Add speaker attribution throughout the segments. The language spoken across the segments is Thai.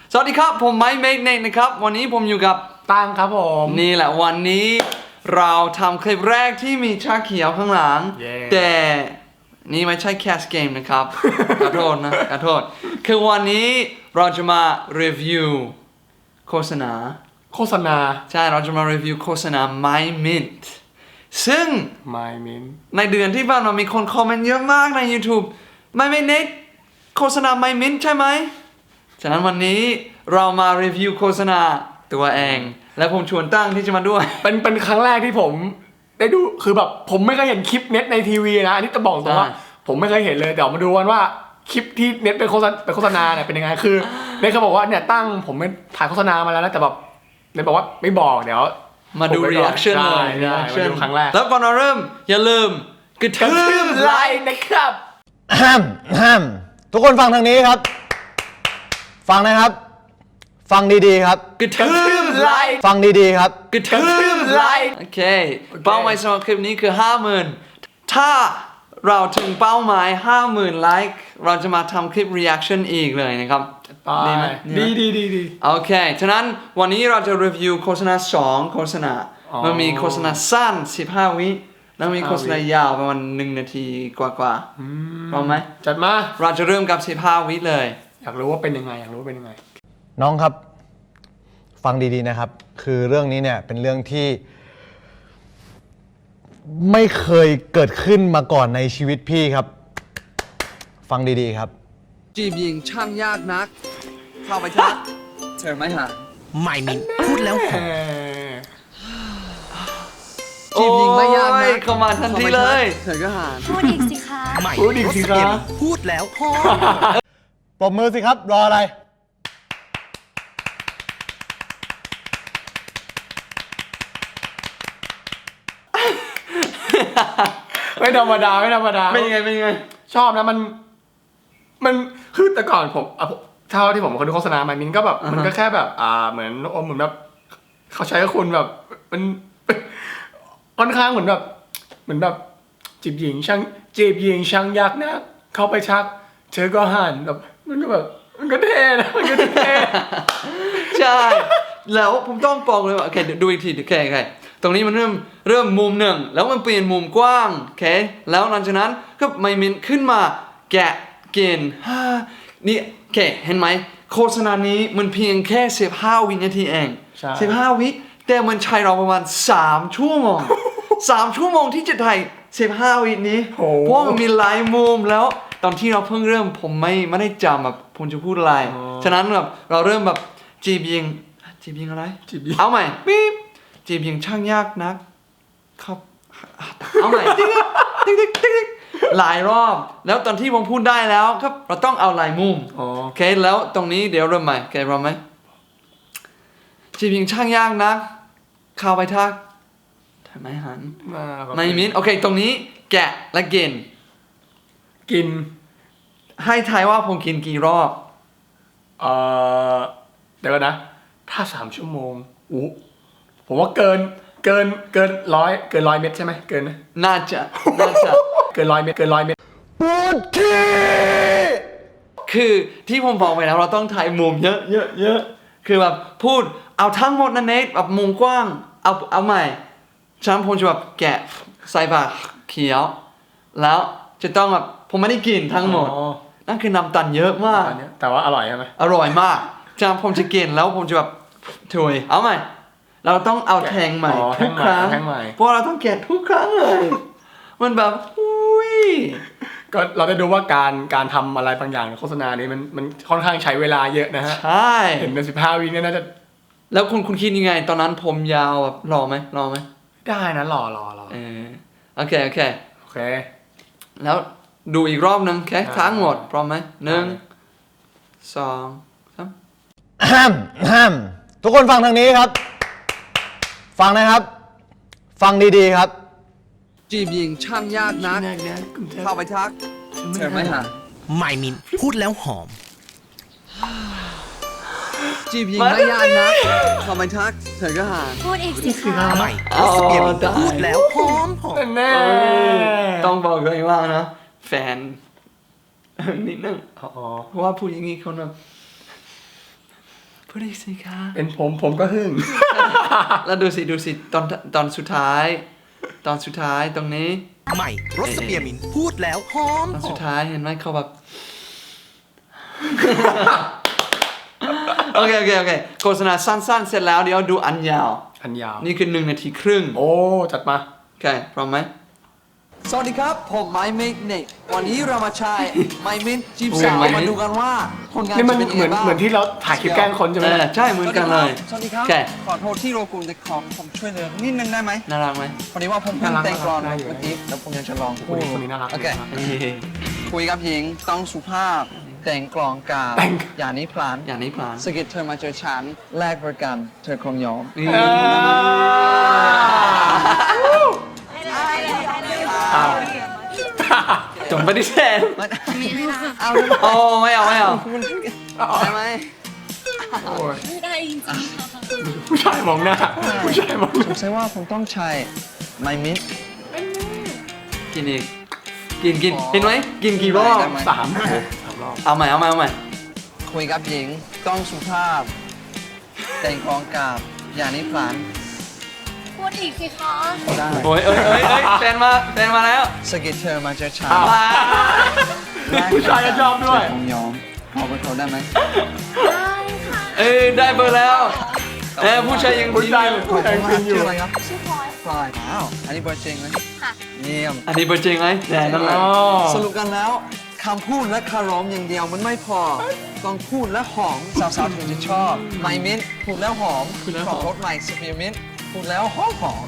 Speaker 1: สวัสดีครับผมไมค์เมกเนกนะครับวันนี้ผมอยู่กับ
Speaker 2: ตั้งครับผม
Speaker 1: นี่แหละวันนี้เราทำคลิปแรกที่มีชาเขียวข้างหลัง แต่นี่ไม่ใช่แคสเกมนะครับ ขอโทษนะขอโทษคือวันนี้เราจะมารีวิวโฆษณาใช่เราจะมารีวิวโฆษณา My Mint ซึ่ง
Speaker 2: My Mint
Speaker 1: ในเดือนที่ผ่านมามีคนคอมเมนต์เยอะมากใน YouTube ไม่เน็ตโฆษณา My Mint ใช่ไหมฉะนั้นวันนี้เรามารีวิวโฆษณาตัวเองและผมชวนตั้งที่จะมาด้วย
Speaker 2: เป็นครั้งแรกที่ผมได้ดูคือแบบผมไม่เคยเห็นคลิปเน็ตในทีวีนะอันนี้จะบอกตรงว่าผมไม่เคยเห็นเลยเดี๋ยวมาดูกันว่าคลิปที่เน็ตเป็นโฆษณาเนี่ยเป็นยังไงคือเน็ตเขาบอกว่าเนี่ยตั้งผมไม่ถ่ายโฆษณามาแล้วนะแต่แบบเน็ตบอกว่าไม่บอกเดี๋ยว
Speaker 1: มาดู reaction เลย
Speaker 2: มาดูครั้งแรก
Speaker 1: แล้วก่อนเราเริ่มอย่าลืมกระทืบไลค์
Speaker 2: นะครับ
Speaker 3: ทุกคนฟังทางนี้ครับ ฟังนะครับ ฟังดีๆครับ
Speaker 1: กระทืบไลค์
Speaker 3: ฟังดีๆครับ
Speaker 1: กระทืบไลค์โอเคเป้าหมายสำหรับคลิปนี้คือ 50,000 ถ้าเราถึงเป้าหมาย 50,000 ไลค์เราจะมาทำคลิป reaction อีกเลยนะครับ
Speaker 2: ดีไหมดี
Speaker 1: โอเคฉะนั้นวันนี้เราจะรีวิวโฆษณา2โฆษณามันมีโฆษณาสั้น15 วิแล้วมีโฆษณายาวประมาณ1 นาทีกว่าพร้อมไหม
Speaker 2: จัดมา
Speaker 1: เราจะเริ่มกับ15 วิเลย
Speaker 2: อยากรู้ว่าเป็นยังไง
Speaker 3: น้องครับฟังดีๆนะครับคือเรื่องนี้เนี่ยเป็นเรื่องที่ไม่เคยเกิดขึ้นมาก่อนในชีวิตพี่ครับฟังดีๆครับ
Speaker 1: จีบหญิงช่างยากนักเข้าไปทักเธอไม่หา
Speaker 4: ไม่มินพูดแล้วหอม
Speaker 1: จีบหญิงไม่ยากนักเข้ามาทันทีเลยเธอก็หา
Speaker 5: พูดอีกสิคะ
Speaker 2: พูดอีกสิคะ
Speaker 4: พูดแล้วหอม
Speaker 3: ปรบมือสิครับรออะไร
Speaker 2: ไม่ธรรมดา
Speaker 1: เป็นยังไง
Speaker 2: ชอบนะมันคือแต่ก่อนผมเท่าที่ผมเคยดูโฆษณามามินก็แบบมันก็แค่แบบเหมือนแบบเขาใช้กับคุณแบบมันค่อนข้างเหมือนแบบจีบหญิงช่างยากนะเข้าไปชักเธอก็หันแบบมันก็แบบมันก็เท่นะมันก็เท่
Speaker 1: ใช่แล้วผมต้องบอกเลยว่าโอเคดูอีกทีโอเคตรงนี้มันเริ่มมุมหนึ่งแล้วมันเปลี่ยนมุมกว้างโอเคแล้วหลังจากนั้นก็ไม่มินขึ้นมาแกะกินนี่โอเคเห็นไหมโฆษณานี้มันเพียงแค่15 วินาทีเอง15 วิแต่มันใช้เราประมาณ3 ชั่วโมง3 ชั่วโมงที่จะถ่าย15 วินี้เพราะมันมีหลายมุมแล้วตอนที่เราเพิ่งเริ่มผมไม่ได้จำแบบผมจะพูดอะไรฉะนั้นแบบเราเริ่มแบบจีบยิงอะไรเอาใหม่ปิ๊บจีบยิงช่างยากนักครับเอาใหม่ติ๊กหลายรอบแล้วตอนที่ผมพูดได้แล้วครับเราต้องเอาหลายมุมโอเคแล้วตรงนี้เดี๋ยวเริ่มใหม่โอเคพร้อมไหมจีบยิงช่างยากนักเข้าไปทักทำไมหันไม่มินโอเคตรงนี้แกะและกินให้ทายว่าผมกินกี่รอบ
Speaker 2: เดี๋ยวนะถ้า3 ชั่วโมงผมว่าเกิน100 เม็ดใช่ไหมเกินนะ
Speaker 1: น่าจะ
Speaker 2: เกิน100 เม็ด
Speaker 3: ปูดขี้
Speaker 1: คือที่ผมบอกไปแล้วเราต้องถ่ายมุมเยอะคือแบบพูดเอาทั้งหมดนะเนทแบบมุมกว้างเอาใหม่ฉันผมจะแบบแกะใส่ปากเขียวแล้วจะต้องแบบผมไม่ได้กินทั้งหมดนั่นคือน้ำตาลเยอะมาก
Speaker 2: แต่ว่าอร่อยใช่ไหม
Speaker 1: อร่อยมากฉะนั้นผมจะกินแล้วผมจะแบบถุยเอาใหม่เราต้องเอาแทงใหม่ทุกครั้งเพราะเราต้องแกะทุกครั้งเลยมันแบบอุ้ย
Speaker 2: ก็เราได้ดูว่าการทำอะไรบางอย่างในโฆษณานี้มันค่อนข้างใช้เวลาเยอะนะฮะ
Speaker 1: ใช่
Speaker 2: เห็นเป็น15 วิเนี่ยน่าจะ
Speaker 1: แล้วคุณคิดยังไงตอนนั้นผมยาวแบบรอไหม
Speaker 2: ได้นะรอ
Speaker 1: โอเค
Speaker 2: แล้ว
Speaker 1: ดูอีกรอบนึงแค่ทั้งหมดพร้อมไหม1 2
Speaker 3: 3ทุกคนฟังทางนี้ครับ ฟังนะครับ ฟังดีๆครับ
Speaker 1: จีบหญิงช่างยากนักเข้าไปทักเธอไม่หา
Speaker 4: ไม่มินพูดแล้วหอม
Speaker 1: จีบหญิงไม่ยากนักเข้าไปทักเธอก็หา
Speaker 5: พูดอีกสิคะ
Speaker 4: ไม่พูดแล้วหอม
Speaker 2: แน่
Speaker 1: ต้องบอกเลยว่านะแฟนนิดนึงเพราะว่าผู้หญิงนี้เขาแบบพูดอีกสิคะ
Speaker 2: เป็นผมก็หึ่ง
Speaker 1: แล้วดูสิตอนสุดท้ายตรงนี้
Speaker 4: ใหม่รสสเปียร์มินท์พูดแล้วหอม
Speaker 1: ตอน
Speaker 4: ห
Speaker 1: สุ
Speaker 4: อ
Speaker 1: ด
Speaker 4: ม
Speaker 1: ท้ายเห็นไหมเขาแบบ โอเคโฆษณาสั้นๆเสร็จแล้วเดี๋ยวดูอันยาว
Speaker 2: อันยาว
Speaker 1: นี่คือ1 นาทีครึ่ง
Speaker 2: โอ้จัดมา
Speaker 1: โอเคพร้อมไหมสวัสดีครับผมไมค์เมกเนกวันนี้เรามาใช้ไมค์มินจีบสาวมาดูกันว่าผลงาน
Speaker 2: นี่มัน
Speaker 1: จะเป็น
Speaker 2: เหมือน
Speaker 1: ยังไงบ้าง
Speaker 2: เหมือนที่เราถ่ายคลิปแกล้งคนใช่ไหม
Speaker 1: ใช่เหมือนกันเลย
Speaker 6: สวัสดีครับ
Speaker 1: โอเค
Speaker 6: ขอโทษที่รบกวนแต่ขอผมช่วยเหลือนิดนึงได้ไหม
Speaker 1: น่ารักไหม
Speaker 6: พอดีว่าผมเพิ่ง
Speaker 2: น่ารัก
Speaker 6: แต่งกลอน
Speaker 2: น่ารักได้อยู่
Speaker 6: เมื่อกี้แล้วผมอยากจะลอง
Speaker 2: ค
Speaker 6: พู
Speaker 2: น
Speaker 6: ด
Speaker 2: นี้น่ารัก
Speaker 6: โอเค
Speaker 1: เฮ้ย
Speaker 6: คุยกับหญิงต้องสุภาพ แต่งกลองกาบ
Speaker 2: แต่ง
Speaker 6: อย่านี้พลาน
Speaker 1: อย่างนี้พลาน
Speaker 6: สะกิดเธอมาเจอฉันแลกบริการเธอคงยอม
Speaker 2: อ้าว
Speaker 1: จงปฏิเสธ
Speaker 6: เอา
Speaker 1: โอ้ไม่เอา
Speaker 6: ได้ไหม
Speaker 2: โอ้ย
Speaker 5: ไม่ได้จริงๆค่ะ
Speaker 2: ผู้ชายมองหน้าผู้ชายมองห
Speaker 6: ส
Speaker 2: น้าง
Speaker 6: สัยว่าผมต้องใช้ไมมิด
Speaker 1: กินอีกกินเห็นไหมกินกี่รอบ
Speaker 6: ได้ไหม
Speaker 2: สามรอบ
Speaker 1: เอาใหม่
Speaker 6: คุยกับหญิงต้องสุภาพ แต่งกลองกาบอย่านี้พลาน
Speaker 5: พูดอีกสิคะ
Speaker 6: ได้
Speaker 1: โอ้ยแฟนมาแล้ว
Speaker 6: สะกิดเธอมาเจอฉัน
Speaker 2: อ้าว
Speaker 6: แลกบ
Speaker 2: ผู้
Speaker 6: ริ
Speaker 2: ชาย
Speaker 6: กา
Speaker 2: ก็
Speaker 6: ร
Speaker 2: ชอบด้วย
Speaker 6: เธอคงยอมขอเบอร์โทรได้ไหม
Speaker 5: ได้ค่ะ
Speaker 1: ได้เบอร์แล้วผู้ชายยัง
Speaker 2: ผู้
Speaker 1: ดี
Speaker 2: ชาย
Speaker 1: อยู่
Speaker 2: ผู้ชายฟินอยู่
Speaker 6: ชื่ออะไรครับ
Speaker 5: ชื่อพลอย
Speaker 6: พลอยอ้าวอันนี้เบอร์จริงไหม
Speaker 5: ค่ะ
Speaker 6: เยี่ยม
Speaker 1: อันนี้เบอร์จริงไหมแน่นั่นแหละ
Speaker 2: อ๋อ
Speaker 6: สรุปกันแล้วคำพูดและคารมอย่างเดียวมันไม่พอ ต้องพูดและหอมสาวๆถึงจะชอบไมมิ้นพูดแล้วหอมขอรถใหม่สเปียร์มิ้นพูดแล้วหอม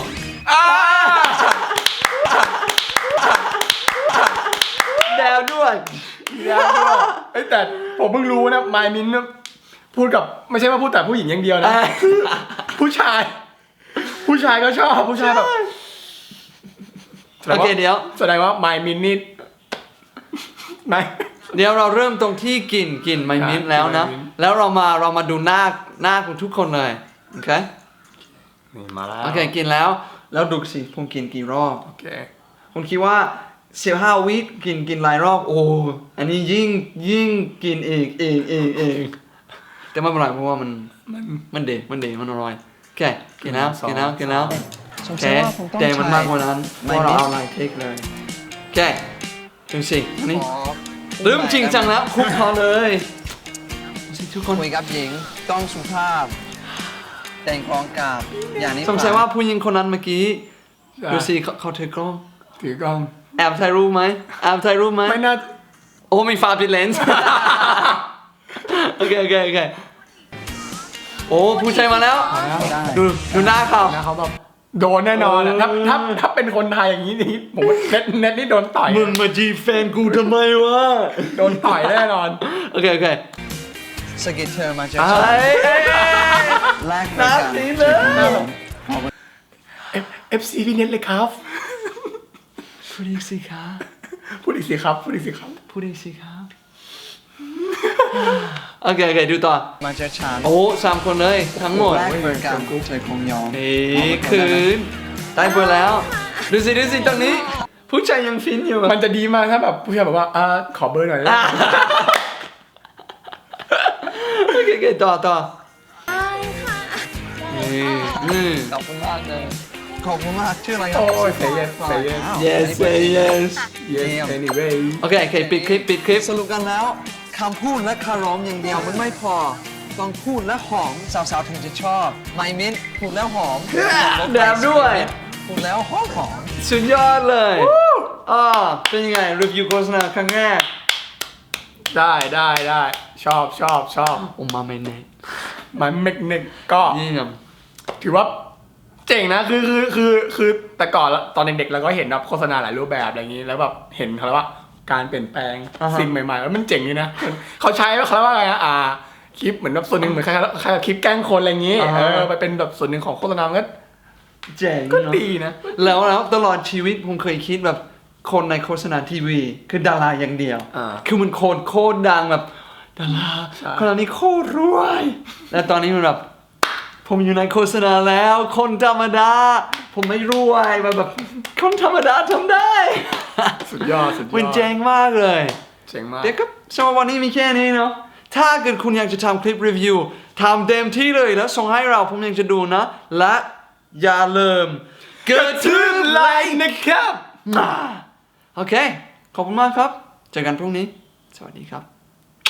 Speaker 1: แดวด้วย
Speaker 2: เอ้ยแต่ผมเพิ่งรู้นะไมมินพูดกับไม่ใช่ว่าพูดแต่ผู้หญิงอย่างเดียวนะ ผู้ชายก็ชอบผู้ชายแบบ
Speaker 1: โอเคเดี๋ยว
Speaker 2: แสดงว่าไมมินนี่ไม่
Speaker 1: เดี๋ยวเราเริ่มตรงที่กลิ่นไมมิ้นท์แล้วนะ
Speaker 2: ไมมิ้นท์
Speaker 1: แล้วเรามาดูหน้าของทุกคนเลยโอเค
Speaker 2: นี่มาแล้ว
Speaker 1: โอเคกินแล้วดูสิผมกินกี่รอบ
Speaker 2: โอเค
Speaker 1: ผมคิดว่า15 วิกินหลายรอบโอ้อันนี้ยิ่งกินอีกแต่ไม่เป็นไรเพราะว่ามันเด็ดมันอร่อยโอเคกินแล้ว
Speaker 6: สง
Speaker 1: โอเค
Speaker 6: สัยว่าผมต้อง
Speaker 1: ใจมันมากกว่านั้นเพ
Speaker 6: ไม
Speaker 1: ราะเรา
Speaker 6: มิ้น
Speaker 1: เอาหลายเทคเลยโอเคดูสิอันนี้
Speaker 6: ขอ
Speaker 1: เริ่มจริงจังแล้วคุกเขาเลยดูสิทุกคน
Speaker 6: คุยกับหญิงต้องสุภาพ แต่งกลองกาบอย่างนี้
Speaker 1: สงสัยว่าผู้หญิงคนนั้นเมื่อกี้ดูสิเขาถือกล้อง
Speaker 2: ถือกล้อง
Speaker 1: แอบถ่ายรูปไหม
Speaker 2: ไม่น่า
Speaker 1: โอ้มีฟ้าปิดเลนส์ โอเคโอ้ผู้ชายมาแล้ว
Speaker 6: ได้
Speaker 1: ดูหน้าเขา
Speaker 2: นะเขาแบบโดนแน่นอนอะถ้าเป็นคนไทยอย่างนี้นี่ผมว่าเน็ตนี่โดนต่อย
Speaker 1: มึงมาจีบแฟนกูทำไมวะ
Speaker 2: โดนต่อยแน่นอน
Speaker 1: โอเค
Speaker 6: สะกิดเธอมาเจอ
Speaker 1: ไอ้
Speaker 6: ฉัน
Speaker 1: ไ
Speaker 6: แลกบริการ
Speaker 1: น้ำสีเลย
Speaker 6: เธอคงยอม
Speaker 2: FC พี่เน็ตเลยครับ
Speaker 1: พูดอีกสิคะ
Speaker 2: พูดอีกสิครับ
Speaker 1: พูดอีกสิครับ โอเคดูต่อ
Speaker 6: มาเจอฉัน
Speaker 1: โอ้3 คนเลยทั้งหมด
Speaker 6: แลกบริการเธอคงยอม
Speaker 1: คืนได้เบอร์แล้ว ดูสิตรงนี้ ผู้ชายยังฟินอยู่
Speaker 2: มันจะดีมากถ้าแบบผู้ชายบอกว่าขอเบอร์หน่อยได้ไหม
Speaker 1: โอเคต่อ
Speaker 5: ได้ค่ะ
Speaker 6: ขอบคุณมากเลยขอบคุณมากชื่ออะไรครั
Speaker 2: โอ้ย say yes say yes
Speaker 6: อ้าว
Speaker 1: yes say yes
Speaker 2: yes anyway
Speaker 1: โอเคปิดคลิป
Speaker 6: สรุปกันแล้วคำพูดและคารมอย่างเดียวมันไม่พอ ต้องพูดและหอมสาวๆถึงจะชอบไมมิ้นพูดแล้วหอม
Speaker 1: แดมด้วย
Speaker 6: พูดแล้วหอม
Speaker 1: สุดยอดเลยเป็นยังไงรีวิวโฆษณาครั้งแรก
Speaker 2: ได้ชอบ
Speaker 1: โอ้มาไม่แน่
Speaker 2: มันเมกเน็กก็
Speaker 1: เยี่ยม
Speaker 2: ถือว่าเจ๋งนะคือแต่ก่อนตอนเด็กๆเราก็เห็นแบบโฆษณาหลายรูปแบบอะไรอย่างนี้แล้วแบบเห็นเขาเรียกว่าการเปลี่ยนแปลงสิ่งใหม่ๆแล้วมันเจ๋งดีนะเขาใช้เขาเรียกว่าอะไรนะคลิปเหมือนแบบส่วนหนึ่งเหมือนคล้ายๆคลิปแกล้งคนอะไรอย่างนี้ไปเป็นแบบส่วนหนึ่งของโฆษณามันก็
Speaker 1: เจ๋ง
Speaker 2: ก็
Speaker 1: เนอะ
Speaker 2: ดีนะ
Speaker 1: แล้วตลอดชีวิตผมเคยคิดแบบคนในโฆษณาทีวีคือดาราอย่างเดียว คือมันโคตรดังแบบดารา
Speaker 2: ใช่
Speaker 1: คนนี้โคตรรวย และตอนนี้มันแบบผมอยู่ในโฆษณาแล้ว คนธรรมดา ผมไม่รวยแบบคนธรรมดาทำได้
Speaker 2: สุดยอด
Speaker 1: มันเจ๋งมากเลย
Speaker 2: เจ๋งมาก
Speaker 1: เดี๋ยวก็สำหรับวันนี้มีแค่นี้เนาะถ้าเกิดคุณอยากจะทำคลิปรีวิวทำเต็มที่เลยแล้วส่งให้เราผมยังจะดูนะ และอย่าลืมกระทืบไลค์นะครับโอเค ขอบคุณมากครับ เจอกันพรุ่งนี้ สวัสดีครับ